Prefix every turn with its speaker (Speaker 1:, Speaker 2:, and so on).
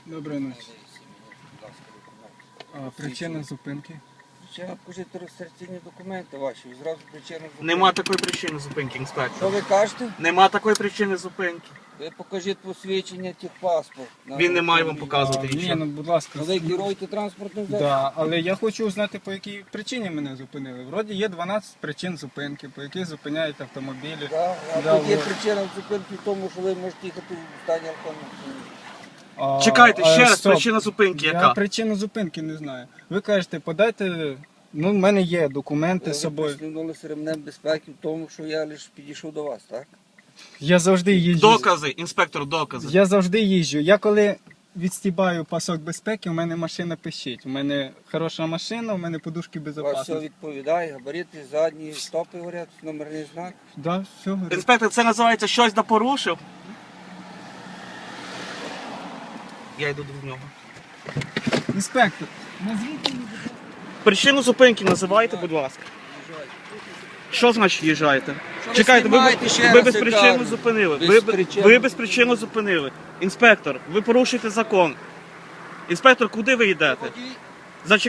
Speaker 1: Доброї ночі. А причина зупинки?
Speaker 2: Причина, покажіть реєстраційні документи ваші, і зразу причина зупинки.
Speaker 3: Нема такої причини зупинки,
Speaker 2: Що
Speaker 3: інспектор.
Speaker 2: ви кажете?
Speaker 3: Нема такої причини зупинки.
Speaker 2: Ви покажіть посвідчення техпаспорт.
Speaker 3: Він не має вам показувати
Speaker 1: Ні,
Speaker 3: нічого.
Speaker 1: ну будь ласка.
Speaker 2: Ви керуєте транспортним засобом?
Speaker 1: Да, але я хочу узнати, по якій причині мене зупинили. Вроді є 12 причин зупинки, по яких зупиняють автомобілі.
Speaker 2: Да, а
Speaker 1: Да,
Speaker 2: тут є
Speaker 1: вот.
Speaker 2: причина зупинки в тому, що ви можете їхати в стані алкогольного сп'яніння.
Speaker 3: Чекайте, ще раз,
Speaker 1: стоп.
Speaker 3: причина зупинки
Speaker 1: Я
Speaker 3: яка?
Speaker 1: причину зупинки не знаю. Ви кажете, подайте, ну в мене є документи з
Speaker 2: Ви
Speaker 1: собою.
Speaker 2: пристебнулися ремнем безпеки в тому, що я лише підійшов до вас, так?
Speaker 1: Я завжди їжджу.
Speaker 3: Докази, інспектор, докази.
Speaker 1: Я завжди їжджу. Я коли відстібаю пасок безпеки, у мене машина пищить. У мене хороша машина, у мене подушки
Speaker 2: У вас все
Speaker 1: безпечності.
Speaker 2: відповідає, габарити, задні, стопи горять, номерний знак.
Speaker 1: Да, все, говорю.
Speaker 3: Інспектор, це називається щось напорушив. Я йду до нього.
Speaker 1: Інспектор, назвіть мені, будь ласка.
Speaker 3: Причину зупинки називайте, будь ласка. Що значить їжджаєте?
Speaker 2: ви
Speaker 3: Чекайте,
Speaker 2: знімаєте, ще
Speaker 3: ви
Speaker 2: раз
Speaker 3: без
Speaker 2: я
Speaker 3: причини
Speaker 2: кажу.
Speaker 3: зупинили.
Speaker 2: Без
Speaker 3: Ви
Speaker 2: причини.
Speaker 3: без причини зупинили. Інспектор, ви порушуєте закон. Інспектор, куди ви йдете?
Speaker 2: Водій,